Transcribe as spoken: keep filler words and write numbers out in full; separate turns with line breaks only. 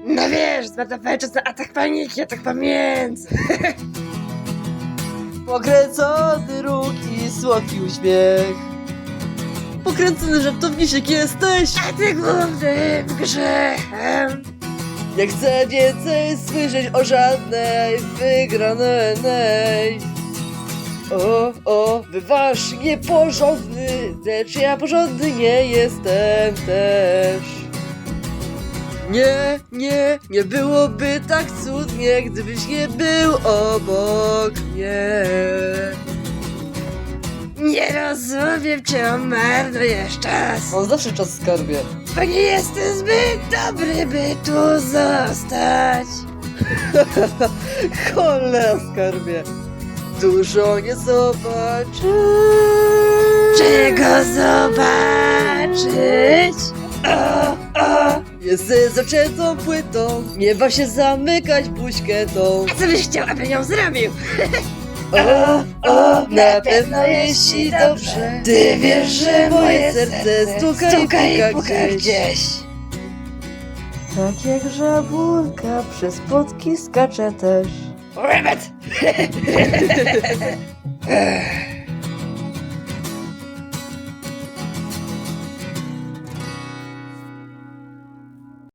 No wiesz, zmarnowałem czas na atak paniki, atak pamięci.
Pokręcony róg i słodki uśmiech. Pokręcony żartowniczek jesteś.
A ty głównym grzechem.
Nie chcę więcej słyszeć o żadnej wygranej. O, o, bywasz nieporządny, lecz ja porządny nie jestem też. Nie, nie, nie byłoby tak cudnie, gdybyś nie był obok mnie.
Nie rozumiem, czemu marnujesz czas.
Mam zawsze czas w skarbie.
Bo nie jestem zbyt dobry, by tu zostać.
Cholera skarbie. Dużo nie zobaczysz.
Czego zobaczyć? O, o.
Jesteś zaczętą płytą, nie wa się zamykać buźkę tą.
A co byś chciał, abym ją zrobił?
O, o, na pewno jeśli dobrze. Ty wiesz, że moje serce stuka i puka gdzieś.
gdzieś.
Tak jak żabulka przez płotki skacze też.
Rabbit!